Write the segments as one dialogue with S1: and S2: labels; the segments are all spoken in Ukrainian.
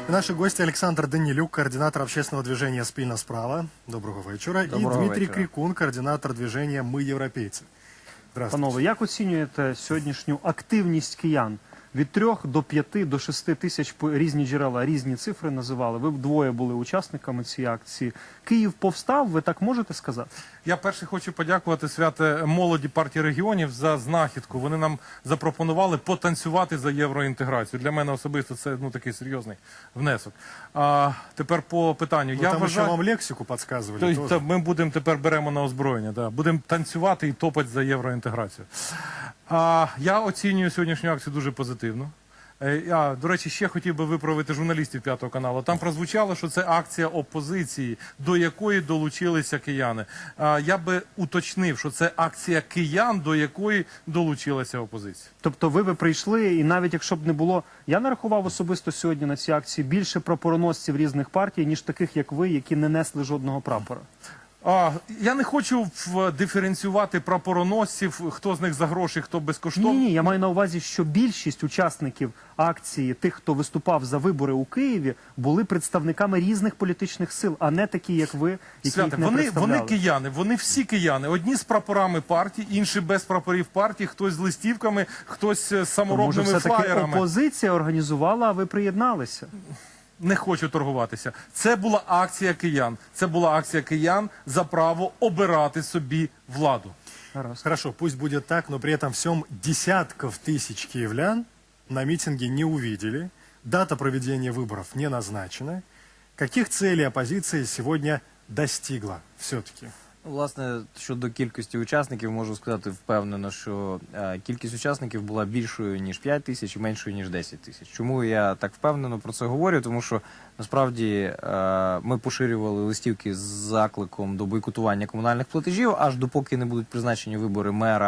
S1: Наши гости Александр Данилюк, координатор общественного движения «Спільна справа». Доброго вечора.
S2: Доброго
S1: и Дмитрий
S2: вечора.
S1: Крикун, координатор движения «Мы европейцы». Здравствуйте.
S3: Панове, як оцінюєте сьогоднішню активність киян? Від 3 до 5 до 6 тисяч, різні джерела, різні цифри називали. Ви двоє були учасниками цієї акції. Київ повстав, ви так можете сказати?
S2: Я перше хочу подякувати святе молоді партії регіонів за знахідку. Вони нам запропонували потанцювати за євроінтеграцію. Для мене особисто це такий серйозний внесок. А тепер по питанню.
S1: Ну,
S2: я
S1: там
S2: вважаю,
S1: еще вам лексику подсказывали.
S2: Тобто,
S1: тоже.
S2: ми будемо тепер беремо на озброєння. Да. Будемо танцювати і топати за євроінтеграцію. Я оцінюю сьогоднішню акцію дуже позитивно. До речі, ще хотів би виправити журналістів П'ятого каналу. Там прозвучало, що це акція опозиції, до якої долучилися кияни. Я би уточнив, що це акція киян, до якої долучилася опозиція.
S3: Тобто ви прийшли, і навіть якщо б не було... Я нарахував особисто сьогодні на цій акції більше прапороносців різних партій, ніж таких, як ви, які не несли жодного прапора.
S2: Я не хочу диференціювати прапороносців, хто з них за гроші, хто безкоштовно.
S3: Ні, я маю на увазі, що більшість учасників акції, тих, хто виступав за вибори у Києві, були представниками різних політичних сил, а не такі, як ви, які їх не представляли.
S2: Вони кияни, вони всі кияни. Одні з прапорами партії, інші без прапорів партії, хтось з листівками, хтось з саморобними
S3: Може, все-таки
S2: флаєрами.
S3: опозиція організувала, а ви приєдналися?
S2: Не хочу торгуватися. Це була акція киян. Це була акція киян за право обирати собі владу.
S1: Хорошо, пусть будет так, но при этом всем десятков тысяч киевлян на митинге не увидели. Дата проведения выборов не назначена. Каких целей оппозиция сегодня достигла все-таки?
S4: Власне, щодо кількості учасників, можу сказати впевнено, що кількість учасників була більшою, ніж 5 тисяч і меншою, ніж 10 тисяч. Чому я так впевнено про це говорю? Тому що, насправді, ми поширювали листівки з закликом до бойкотування комунальних платежів, аж допоки не будуть призначені вибори мера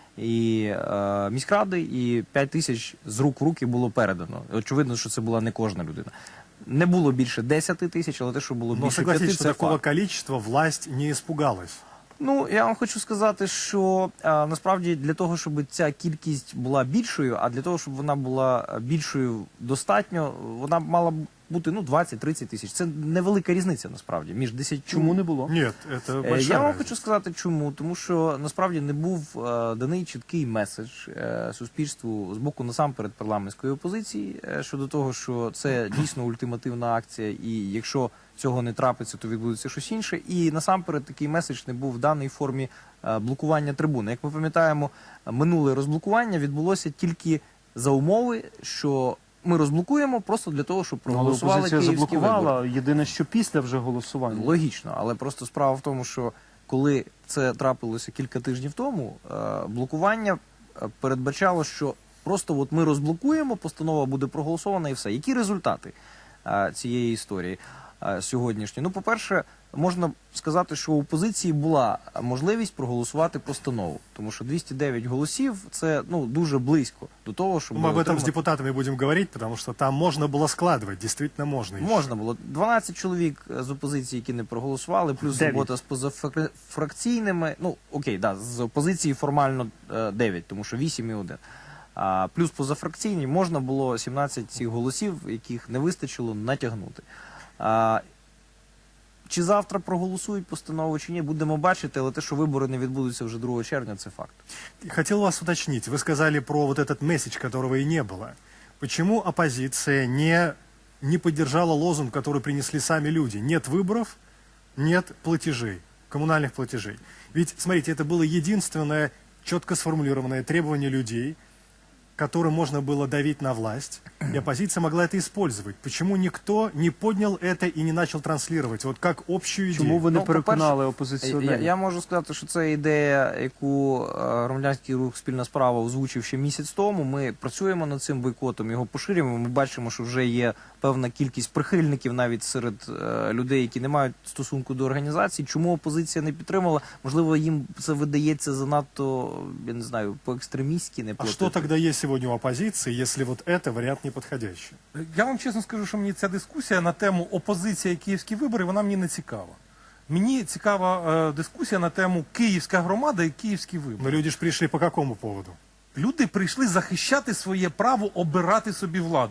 S4: і міськради, і 5 тисяч з рук в руки було передано. Очевидно, що це була не кожна людина. Не було більше 10 тисяч, але те, що було більше 5,
S1: согласитесь,
S4: це
S1: что такого
S4: факт.
S1: количества власть не испугалась.
S4: Ну, я вам хочу сказати, що насправді для того, щоб ця кількість була більшою, а для того, щоб вона була більшою достатньо, вона мала бути 20-30 тисяч. Це невелика різниця, насправді, між 10...
S3: Чому не було?
S1: Нет, это большая
S4: Я вам
S1: разница.
S4: хочу сказати, чому. Тому що, насправді, не був даний чіткий меседж суспільству з боку, насамперед, парламентської опозиції щодо того, що це дійсно ультимативна акція, і якщо цього не трапиться, то відбудеться щось інше. І, насамперед, такий меседж не був в даній формі блокування трибуни. Як ми пам'ятаємо, минуле розблокування відбулося тільки за умови, що ми розблокуємо просто для того, щоб проголосували
S3: Опозиція
S4: київські вибори.
S3: заблокувала, єдине, що після вже голосування.
S4: Логічно, але просто справа в тому, що коли це трапилося кілька тижнів тому, блокування передбачало, що просто от ми розблокуємо, постанова буде проголосована і все. Які результати цієї історії сьогоднішньої? Ну, по-перше, можна сказати, що у опозиції була можливість проголосувати постанову, тому що 209 голосів – це дуже близько до того, щоб...
S1: Мы об этом с депутатами будем говорить, потому что там можно было складывать, действительно можно. еще.
S4: Можна було. 12 чоловік з опозиції, які не проголосували, плюс
S3: 9.
S4: робота з позафракційними. Ну, окей, да, з опозиції формально 9, тому що 8 і 1. Плюс позафракційні можна було 17 цих голосів, яких не вистачило, натягнути. Чи завтра проголосують постанову, чи ні, будемо бачити, але те, що вибори не відбудуться вже 2 червня, це факт.
S1: Хотел вас уточнить. Вы сказали про вот этот месседж, которого и не было. Почему оппозиция не поддержала лозунг, который принесли сами люди? Нет выборов, нет платежей, коммунальных платежей. Ведь, смотрите, это было единственное четко сформулированное требование людей, которым можно было давить на власть, и оппозиция могла это использовать. Почему никто не поднял это и не начал транслировать, вот как общую идею?
S3: Чому ви не
S4: Ну,
S3: переконали
S4: по-перше,
S3: опозиціонерів?
S4: Я можу сказати, що це ідея, яку громадянський рух «Спільна справа» озвучив ще місяць тому. Ми працюємо над цим бойкотом, його поширюємо. Ми бачимо, що вже є певна кількість прихильників навіть серед людей, які не мають стосунку до організації. Чому опозиція не підтримала? Можливо, їм це видається занадто, я не знаю, по-екстремістськи не
S1: А
S4: платити.
S1: что тогда есть сегодня у оппозиции, если вот это вариант неподходящий?
S2: Я вам чесно скажу, що мені ця дискусія на тему опозиція і київські вибори, вона мені не цікава. Мені цікава дискусія на тему київська громада і київські вибори.
S1: Но люди же пришли по какому поводу?
S2: Люди прийшли захищати своє право обирати собі владу.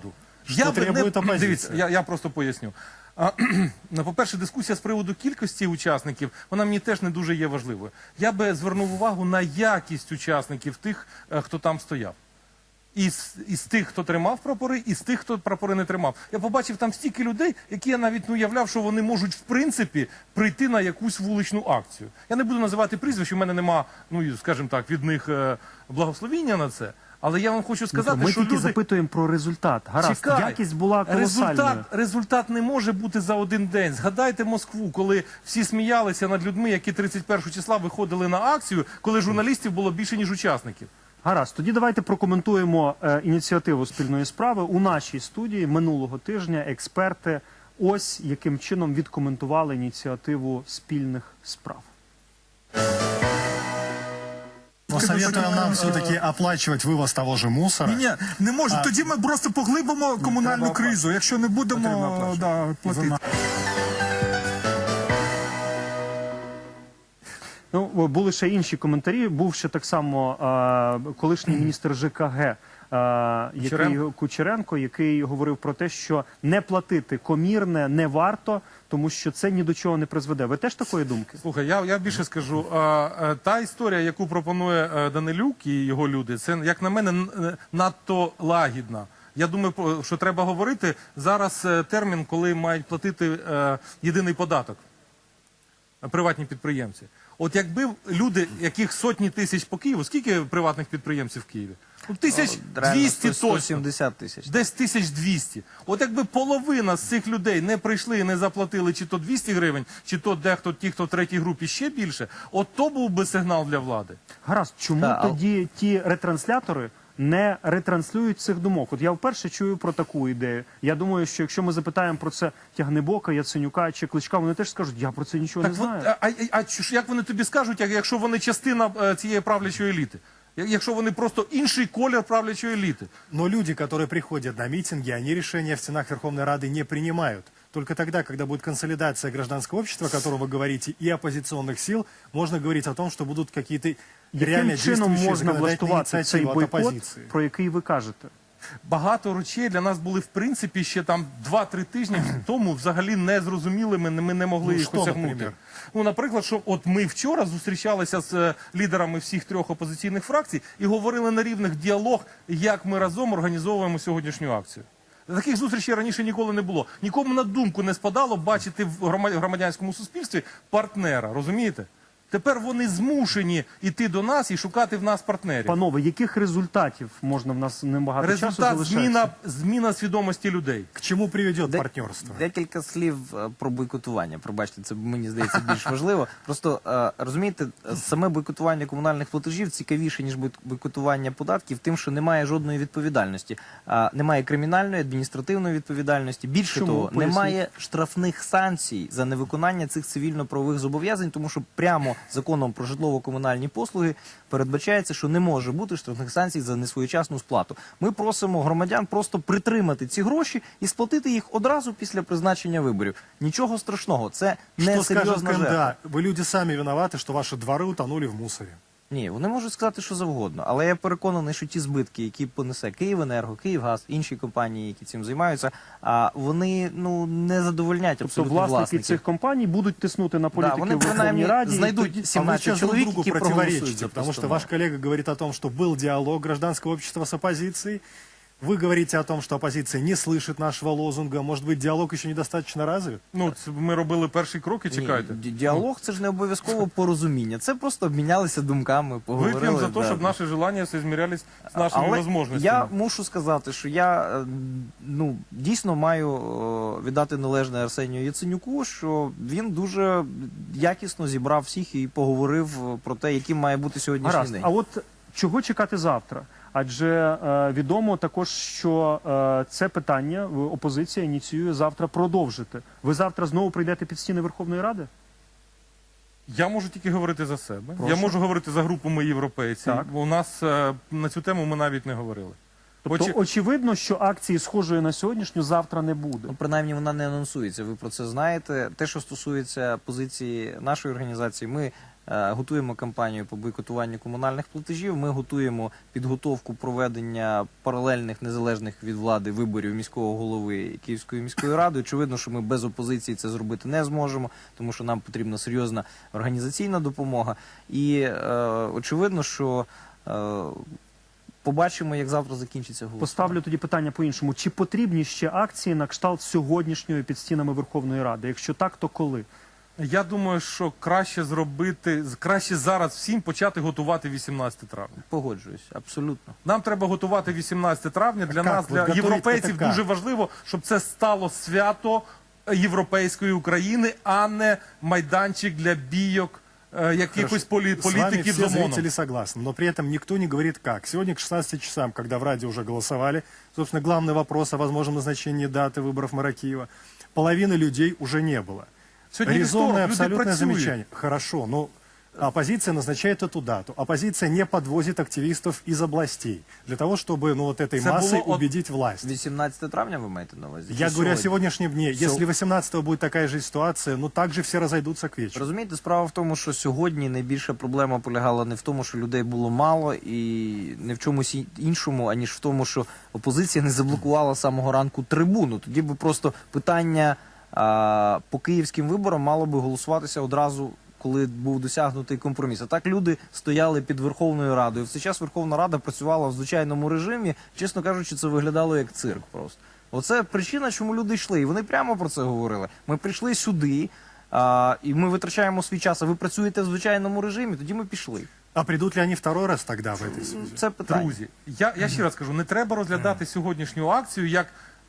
S1: Что требует оппозиция?
S2: Дивіться, я просто поясню. По-перше, дискусія з приводу кількості учасників, вона мені теж не дуже є важливою. Я би звернув увагу на якість учасників тих, хто там стояв. Із тих, хто тримав прапори, і з тих, хто прапори не тримав. Я побачив там стільки людей, які я навіть не уявляв, що вони можуть в принципі прийти на якусь вуличну акцію. Я не буду називати прізвищ, у мене нема, ну скажімо так, від них благословіння на це. Але я вам хочу сказати,
S3: ми
S2: що
S3: тільки
S2: люди...
S3: запитуємо про результат. Гаразд,
S2: Чекай,
S3: якість була колосальною.
S2: результат не може бути за один день. Згадайте Москву, коли всі сміялися над людьми, які 31 числа виходили на акцію, коли журналістів було більше, ніж учасників.
S3: Гаразд, тоді давайте прокоментуємо ініціативу спільної справи. У нашій студії минулого тижня експерти ось яким чином відкоментували ініціативу спільних справ.
S1: Но советую нам все-таки оплачивать вывоз того же мусора.
S5: Ні, не може. Тоді ми просто поглибимо комунальну кризу, якщо не будемо платити.
S3: Ну, були ще інші коментарі. Був ще так само колишній міністр ЖКГ Кучеренко, який говорив про те, що не платити комірне не варто, тому що це ні до чого не призведе. Ви теж такої думки?
S2: Слухай, я більше скажу. Та історія, яку пропонує Данилюк і його люди, це, як на мене, надто лагідна. Я думаю, що треба говорити зараз термін, коли мають платити єдиний податок приватні підприємці. От якби люди, яких сотні тисяч по Києву, скільки приватних підприємців в Києві? 1200 точно.
S4: 170 тисяч.
S2: Десь 1200. От якби половина з цих людей не прийшли і не заплатили чи то 200 гривень, чи то дехто, ті, хто в третій групі ще більше, от то був би сигнал для влади.
S3: Гаразд, чому тоді ті ретранслятори не ретранслюють цих думок? От я вперше чую про таку ідею. Я думаю, що якщо ми запитаємо про це Тягнебока, Яценюка чи Кличка, вони теж скажуть, я про це нічого не знаю.
S2: Як вони тобі скажуть, якщо вони частина цієї правлячої еліти? Якщо вони просто інший колір правлячої еліти?
S1: Но люди, которые приходят на митинги, они решения в стенах Верховной Рады не принимают. Только тогда, когда будет консолидация гражданского общества, о котором вы говорите, и оппозиционных сил, можно говорить о том, что будут какие-то реально
S3: Яким чином
S1: действующие
S3: можна
S1: законодательные
S3: влаштувати цей
S1: инициативы от
S3: бойкот,
S1: оппозиции.
S3: про який ви кажете?
S2: Багато речей для нас були, в принципі, ще там 2-3 тижні тому взагалі незрозумілими, ми не могли їх
S1: що,
S2: осягнути.
S1: наприклад?
S2: Ну, наприклад, що от ми вчора зустрічалися з лідерами всіх 3 опозиційних фракцій і говорили на рівних діалог, як ми разом організовуємо сьогоднішню акцію. Таких зустрічей раніше ніколи не було. Нікому на думку не спадало бачити в громадянському суспільстві партнера, розумієте? Тепер вони змушені йти до нас і шукати в нас партнерів.
S3: Панове, яких результатів можна в нас небагато часу
S2: Результат
S3: залишається?
S2: зміна свідомості людей.
S1: К чему приведет партнерство?
S4: Декілька слів про бойкотування. Пробачте, це мені здається більш важливо. Просто розумієте, саме бойкотування комунальних платежів цікавіше, ніж бойкотування податків, тим, що немає жодної відповідальності. Немає кримінальної, адміністративної відповідальності. Більше
S3: Чому?
S4: того,
S3: Поясніть.
S4: немає штрафних санкцій за невиконання цих цивільно-правових зобов'язань, тому що прямо законом про житлово-комунальні послуги передбачається, що не може бути штрафних санкцій за несвоєчасну сплату. Ми просимо громадян просто притримати ці гроші і сплатити їх одразу після призначення виборів. Нічого страшного, це не
S1: Что скажет
S4: серйозна жертва.
S1: КМДА? Вы люди сами виноваты, что ваши дворы утонули в мусоре.
S4: Ні, вони можуть сказати, що завгодно, але я переконаний, що ті збитки, які понесе Київенерго, Київгаз, інші компанії, які цим займаються, вони не задовольнять
S3: Тобто
S4: абсолютно
S3: власники
S4: власників.
S3: цих компаній будуть тиснути на
S4: Да,
S3: політиків
S4: вони
S3: в Верховній
S4: принаймні
S3: Раді.
S4: знайдуть
S1: А вы
S4: 17
S1: сейчас друг
S4: чоловік,
S1: другу
S4: які проголосують
S1: противоречите,
S4: за
S1: потому что
S4: постанову.
S1: ваш коллега говорит о том, что был диалог гражданского общества с оппозицией. Вы говорите о том, что оппозиция не слышит нашего лозунга. Может быть, диалог еще недостаточно развит?
S2: Ну, ми робили перші кроки, чекайте.
S4: Діалог – це ж не обов'язково порозуміння. Це просто обмінялися думками, поговорили.
S2: Вип'ємо за те,
S4: да.
S2: щоб наші желання змірялись з нашими
S4: Але
S2: можливостями.
S4: я мушу сказати, що я дійсно маю віддати належне Арсенію Яценюку, що він дуже якісно зібрав всіх і поговорив про те, яким має бути сьогоднішній
S3: Гаразд.
S4: день.
S3: А от чого чекати завтра? Адже відомо також, що це питання опозиція ініціює завтра продовжити. Ви завтра знову прийдете під стіни Верховної Ради?
S2: Я можу тільки говорити за себе.
S3: Прошу.
S2: Я можу говорити за групу «Ми європейці».
S3: Так.
S2: У нас на цю тему ми навіть не говорили.
S3: Тобто очевидно, що акції схожої на сьогоднішню завтра не буде.
S4: Ну, принаймні, вона не анонсується. Ви про це знаєте. Те, що стосується позиції нашої організації, ми готуємо кампанію по бойкотуванню комунальних платежів. Ми готуємо підготовку проведення паралельних незалежних від влади виборів міського голови Київської міської ради. Очевидно, що ми без опозиції це зробити не зможемо, тому що нам потрібна серйозна організаційна допомога. І очевидно, що побачимо, як завтра закінчиться голосування.
S3: Поставлю тоді питання по-іншому. Чи потрібні ще акції на кшталт сьогоднішньої під стінами Верховної Ради? Якщо так, то коли?
S2: Я думаю, що краще зараз всім почати готувати 18 травня.
S4: Погоджуюсь, абсолютно.
S2: Нам треба готувати 18 травня. Для
S1: Как
S2: нас,
S1: вот
S2: для
S1: готовить
S2: європейців,
S1: это как?
S2: дуже важливо, щоб це стало свято європейської України, а не майданчик для бійок якихось
S1: С вами
S2: політиків з
S1: все
S2: ОМОНом.
S1: зрители согласны, но при этом никто не говорит как. Сегодня к 16 часам, когда в Раде уже голосовали, собственно, главный вопрос о возможном назначении даты выборов мэра Киева, половины людей уже не было.
S2: Сьогодні
S1: Резонное
S2: вівторок, люди
S1: абсолютное
S2: працюють.
S1: замечание. Хорошо, но оппозиция назначает эту дату. Оппозиция не подвозит активистов из областей для того, чтобы вот этой
S2: Это
S1: массой
S2: было от-
S1: убедить власть.
S4: 18 травня ви маєте на увазі?
S1: Я
S4: Чи
S1: говорю о
S4: сьогодні?
S1: сегодняшнем дне. Если 18-го будет такая же ситуация, ну также все разойдутся к вечеру.
S4: Розумієте, справа в тому, що сьогодні найбільша проблема полягала не в тому, що людей було мало, і не в чомусь іншому, аніж в тому, що опозиція не заблокувала з самого ранку трибуну. Тоді би просто питання по київським виборам мало би голосуватися одразу, коли був досягнутий компроміс. А так люди стояли під Верховною Радою. В цей час Верховна Рада працювала в звичайному режимі. Чесно кажучи, це виглядало як цирк просто. Оце причина, чому люди йшли. І вони прямо про це говорили. Ми прийшли сюди, і ми витрачаємо свій час, а ви працюєте в звичайному режимі, тоді ми пішли.
S1: А придут ли они второй раз тогда в этой связи?
S4: Це питання.
S2: Друзі, я ще раз кажу, не треба розглядати сьогоднішню акцію як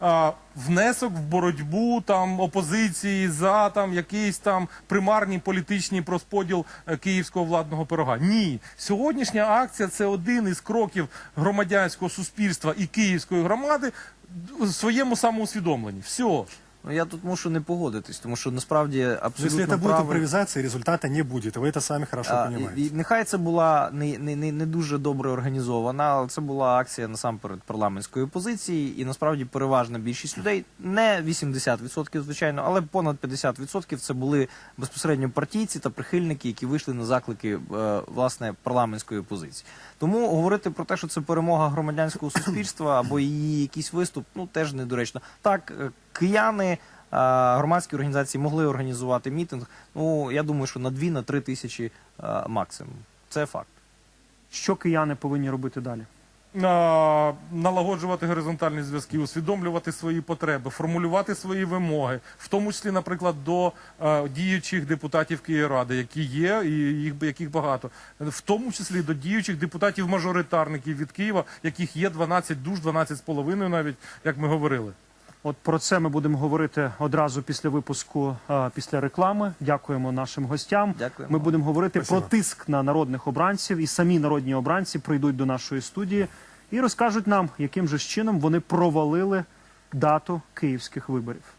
S2: внесок в боротьбу там опозиції за там якийсь там примарний політичний розподіл київського владного пирога. Ні, сьогоднішня акція це один із кроків громадянського суспільства і київської громади в своєму самоусвідомленні. Все.
S4: Ну, я тут мушу не погодитись, тому що насправді
S1: Но
S4: абсолютно
S1: если это будет
S4: правильно.
S1: импровизация, результата не будет. И вы это сами хорошо понимаете.
S4: І нехай це була не дуже добре організована, але це була акція насамперед парламентської опозиції, і насправді переважна більшість людей, не 80%, звичайно, але понад 50% це були безпосередньо партійці та прихильники, які вийшли на заклики власне парламентської опозиції. Тому говорити про те, що це перемога громадянського суспільства або її якийсь виступ, ну теж недоречно. Так, кияни, громадські організації могли організувати мітинг, ну, я думаю, що на 2-3 тисячі максимум. Це факт.
S3: Що кияни повинні робити далі?
S2: Налагоджувати горизонтальні зв'язки, усвідомлювати свої потреби, формулювати свої вимоги, в тому числі, наприклад, до діючих депутатів Київради, які є, і яких багато, в тому числі до діючих депутатів-мажоритарників від Києва, яких є 12 душ, 12,5 навіть, як ми говорили.
S3: От про це ми будемо говорити одразу після випуску, після реклами. Дякуємо нашим гостям.
S4: Дякуємо.
S3: Ми будемо говорити
S1: Спасибо.
S3: про тиск на народних обранців, і самі народні обранці прийдуть до нашої студії і розкажуть нам, яким же ж чином вони провалили дату київських виборів.